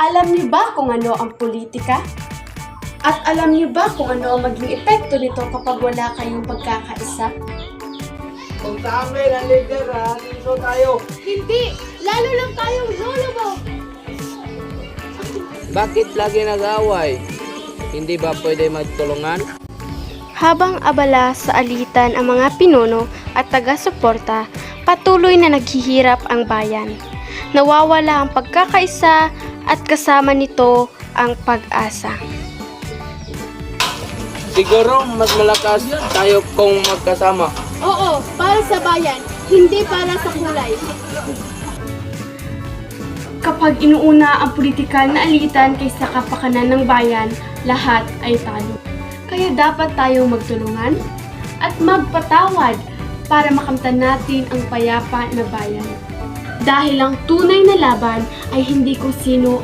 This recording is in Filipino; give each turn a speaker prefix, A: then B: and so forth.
A: Alam niyo ba kung ano ang politika? At alam niyo ba kung ano ang maging epekto nito kapag wala kayong pagkakaisa?
B: Kung sa amin ang leader, so tayo.
A: Hindi! Lalo lang tayong lulubog!
B: Bakit lagi nag-away? Hindi ba pwede magtulungan?
C: Habang abala sa alitan ang mga pinuno at taga-suporta, patuloy na naghihirap ang bayan. Nawawala ang pagkakaisa at kasama nito ang pag-asa.
B: Siguro mas malakas tayo kung magkasama.
A: Oo, para sa bayan, hindi para sa kulay. Kapag inuuna ang politikal na alitan kaysa kapakanan ng bayan, lahat ay talo. Kaya dapat tayong magtulungan at magpatawad para makamtan natin ang payapa na bayan. Dahil ang tunay na laban ay hindi kung sino